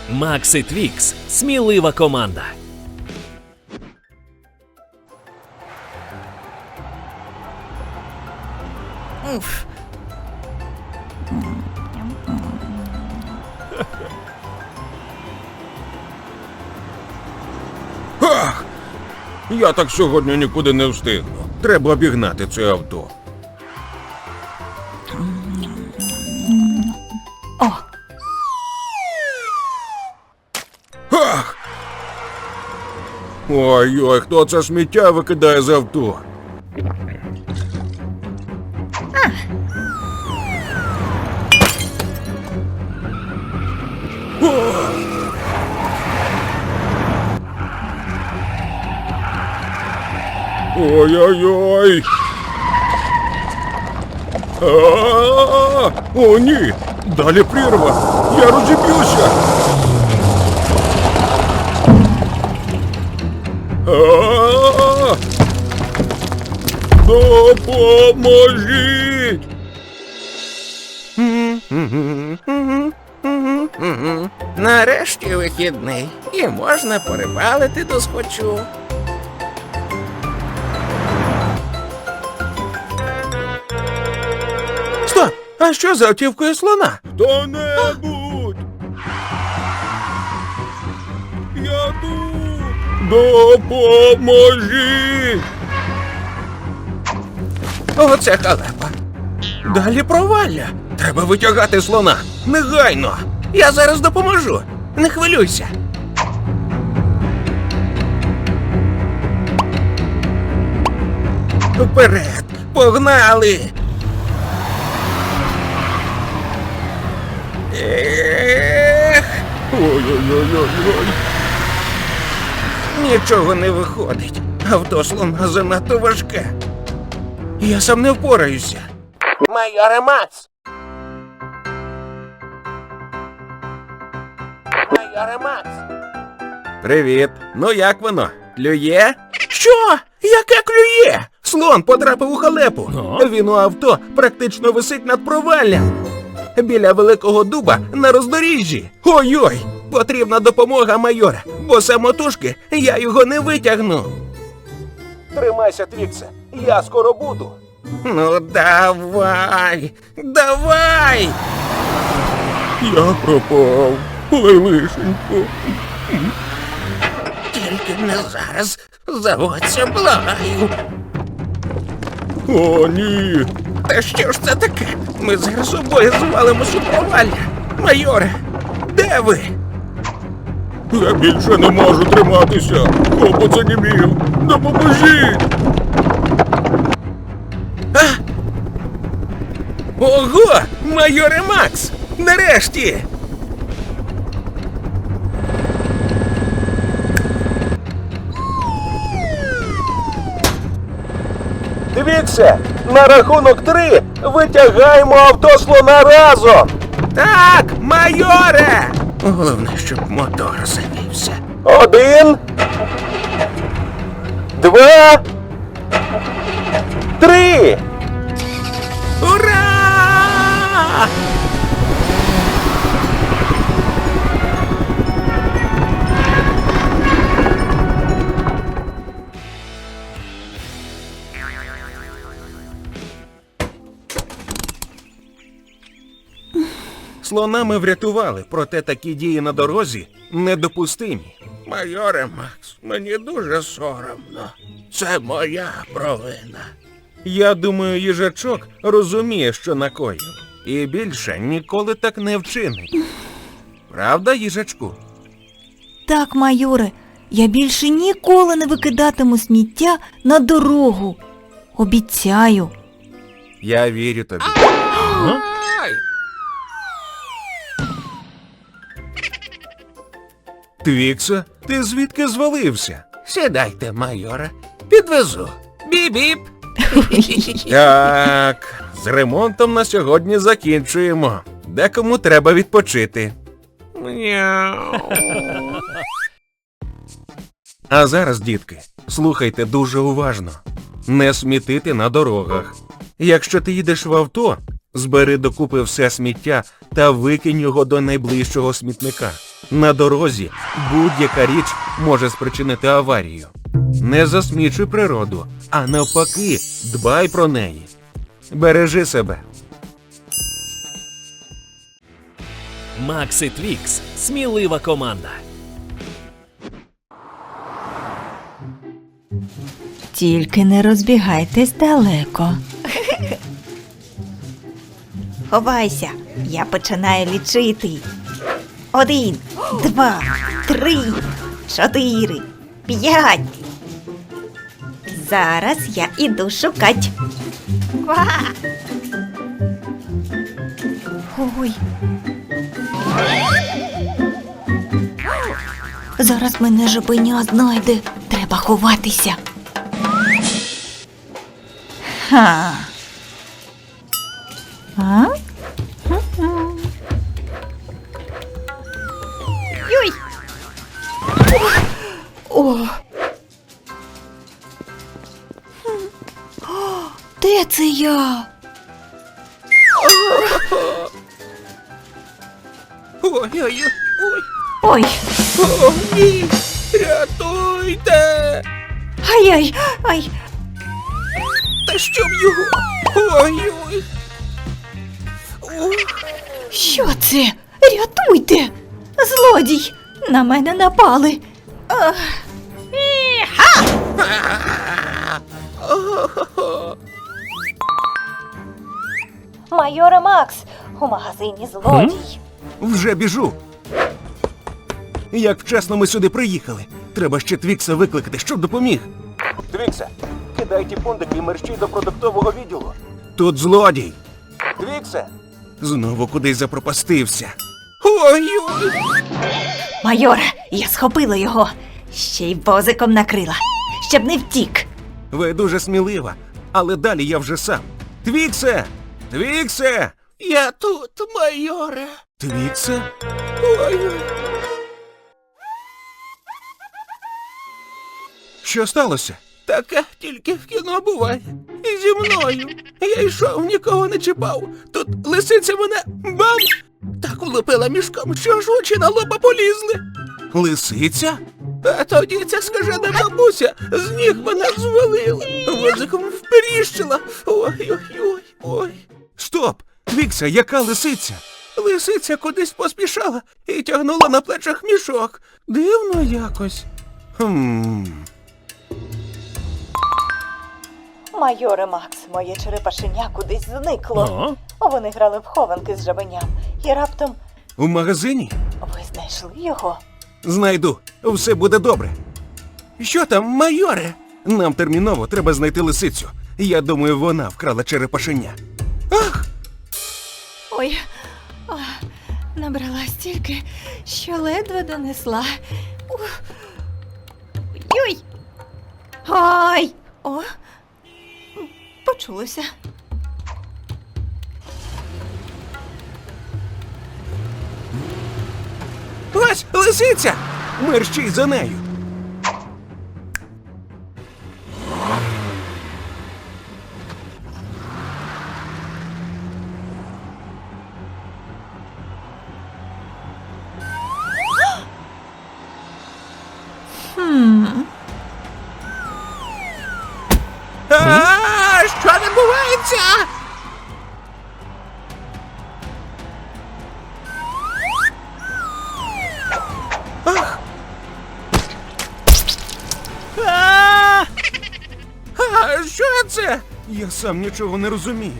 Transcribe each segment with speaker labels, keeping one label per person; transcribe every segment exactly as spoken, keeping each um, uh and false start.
Speaker 1: Макс і Твікс – смілива команда.
Speaker 2: Уф.
Speaker 3: Ах! Я так сьогодні нікуди не встигну. Треба обігнати це авто.
Speaker 2: О,
Speaker 3: Ах! Ой-ой, хто це сміття викидає з авто? Ой-ой-ой! А-а-а! О, ні! Далі прірва! Я розіб'юся! А-а-а! Допоможіть!
Speaker 4: Нарешті вихідний. І можна порибалити досхочу. Стоп! А що за автівкою слона?
Speaker 3: Хто-небудь! Я тут! Допоможіть!
Speaker 4: Оце халепа. Далі провалля. Треба витягати слона. Негайно. Я зараз допоможу. Не хвилюйся. Вперед! Погнали! Ех,
Speaker 3: Ой-ой-ой-ой-ой!
Speaker 4: нічого не виходить. Авто слона занадто важке. Я сам не впораюся. Майоре Макс! Майоре Макс!
Speaker 3: Привіт! Ну як воно? Клює?
Speaker 4: Що? Яке клює? Слон потрапив у халепу.
Speaker 1: Ну?
Speaker 4: Він у авто практично висить над проваллям. Біля великого дуба на роздоріжжі. Ой-ой! Потрібна допомога, майоре, бо самотужки я його не витягну. Тримайся, Твіксе, я скоро буду. Ну давай, давай!
Speaker 3: Я пропав. Ой, лишенько.
Speaker 4: Тільки не зараз. Заводься, благаю.
Speaker 3: О, ні.
Speaker 4: Та що ж це таке? Ми зараз обоє звалимось у провалля. Майоре, де ви?
Speaker 3: Я більше не можу триматися. Хлопець занімів. Допоможіть.
Speaker 4: А? Ого! Майоре Макс! Нарешті!
Speaker 5: Твіксе, на рахунок три витягаємо авто слона разом.
Speaker 4: Так, майоре! Головне, щоб мотор завівся.
Speaker 5: Один, два, три.
Speaker 4: Ура!
Speaker 3: Слона ми врятували, проте такі дії на дорозі недопустимі.
Speaker 4: Майоре Макс, мені дуже соромно. Це моя провина.
Speaker 3: Я думаю, їжачок розуміє, що накоїв. І більше ніколи так не вчинить. Правда, їжачку?
Speaker 2: так, майоре, я більше ніколи не викидатиму сміття на дорогу. Обіцяю.
Speaker 3: Я вірю тобі.
Speaker 4: Ай!
Speaker 3: Твіксе, ти звідки звалився?
Speaker 4: Сідайте, майоре. Підвезу. Біп-біп.
Speaker 3: Так, з ремонтом на сьогодні закінчуємо. Декому треба відпочити.
Speaker 4: Мяу.
Speaker 3: А зараз, дітки, слухайте дуже уважно. Не смітити на дорогах. Якщо ти їдеш в авто, збери докупи все сміття та викинь його до найближчого смітника. На дорозі будь-яка річ може спричинити аварію. Не засмічуй природу, а навпаки, дбай про неї. Бережи себе.
Speaker 1: Макс і Твікс – смілива команда.
Speaker 2: Тільки не розбігайтесь далеко. Ховайся, я починаю лічити. Один, два, три, чотири, п'ять. Зараз я іду шукать. Ква! Ой. Зараз мене жабеня знайде. Треба ховатися. Ха. А? Йой! О! О, де це я?
Speaker 3: Ой-ой-ой.
Speaker 2: Ой!
Speaker 3: О, ні! Рятуйте!
Speaker 2: Ай-ай! Ай!
Speaker 3: Та щоб його! Ой-ой! Ох.
Speaker 2: Що це? Рятуйте! Злодій! На мене напали! Ах. Іха! Майоре Макс, у магазині злодій.
Speaker 3: Вже біжу. Як вчасно ми сюди приїхали. Треба ще Твікса викликати, щоб допоміг.
Speaker 5: Твіксе, кидай ті пундики і мерщій до продуктового відділу.
Speaker 3: Тут злодій.
Speaker 5: Твіксе!
Speaker 3: Знову кудись запропастився. Ой-ой!
Speaker 2: Майоре, я схопила його. Ще й возиком накрила, щоб не втік.
Speaker 3: Ви дуже смілива, але далі я вже сам. Твіксе! Твіксе! Я тут, майоре. Твіксе? Ой-ой. Що сталося? Таке тільки в кіно буває. І зі мною. Я йшов, нікого не чіпав. Тут лисиця мене бам! Так улупила мішком, що ж очі на лоба полізли. Лисиця? А тоді ця скажена бабуся з ніг мене звалила. Возиком вперіщила. Ой-ой-ой. Ой. Стоп! Твікса, яка лисиця? Лисиця кудись поспішала і тягнула на плечах мішок. Дивно якось. Хм...
Speaker 2: Майоре Макс, моє черепашеня кудись зникло. Вони грали в хованки з жабеням. І раптом
Speaker 3: У магазині?
Speaker 2: ви знайшли його?
Speaker 3: Знайду. Все буде добре. Що там, майоре? Нам терміново треба знайти лисицю. Я думаю, вона вкрала черепашеня. Ах!
Speaker 2: Ой, а, набрала стільки, що ледве донесла. Ух. Ой! Ай! О! Почулося.
Speaker 3: Ось лисиця! Мерщій за нею.
Speaker 2: Хм.
Speaker 3: А, що відбувається? Ах! А! А, що це? Я сам нічого не розумію.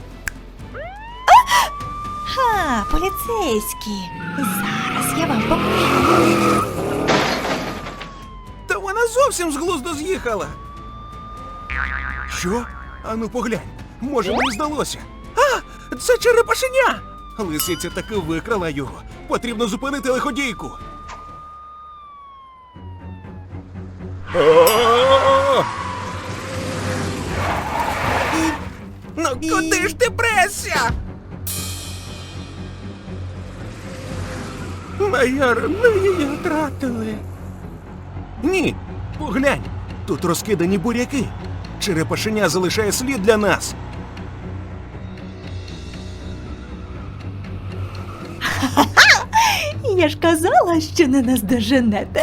Speaker 2: Ха, поліцейські. Зараз я вам покажу.
Speaker 3: Та вона зовсім з глузду з'їхала. Що? Ану поглянь. Може, мені здалося. А, це черепашеня! Лисиця таки викрала його. Потрібно зупинити лиходійку. О! Ну куди ж ти пресся? Майор, ми її втратили. Ні, поглянь, тут розкидані буряки. Черепашеня залишає слід для нас.
Speaker 2: Я ж казала, що не наздоженете.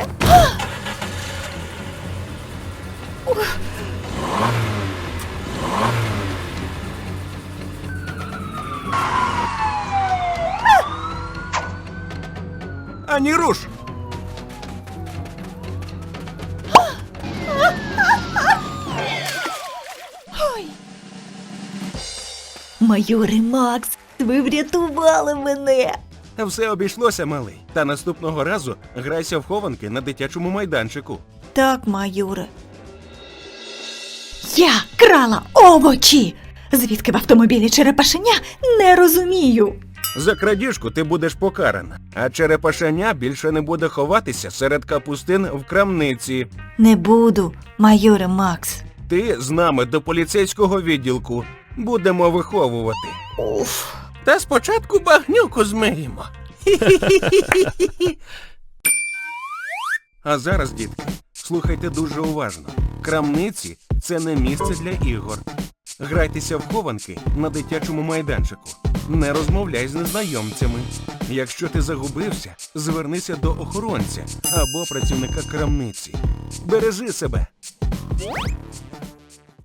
Speaker 4: Ані руш!
Speaker 2: Майоре Макс, ви врятували мене.
Speaker 4: Все обійшлося, малий. Та наступного разу грайся в хованки на дитячому майданчику.
Speaker 2: Так, майоре. Я крала овочі! Звідки в автомобілі черепашеня, не розумію.
Speaker 4: За крадіжку ти будеш покарана, а черепашеня більше не буде ховатися серед капустин в крамниці.
Speaker 2: Не буду, майоре Макс.
Speaker 4: Ти з нами до поліцейського відділку. Будемо виховувати.
Speaker 2: Уф.
Speaker 3: Та спочатку багнюку змиємо.
Speaker 4: А зараз, дітки, слухайте дуже уважно. Крамниці – це не місце для ігор. Грайтеся в хованки на дитячому майданчику. Не розмовляй з незнайомцями. Якщо ти загубився, звернися до охоронця або працівника крамниці. Бережи себе.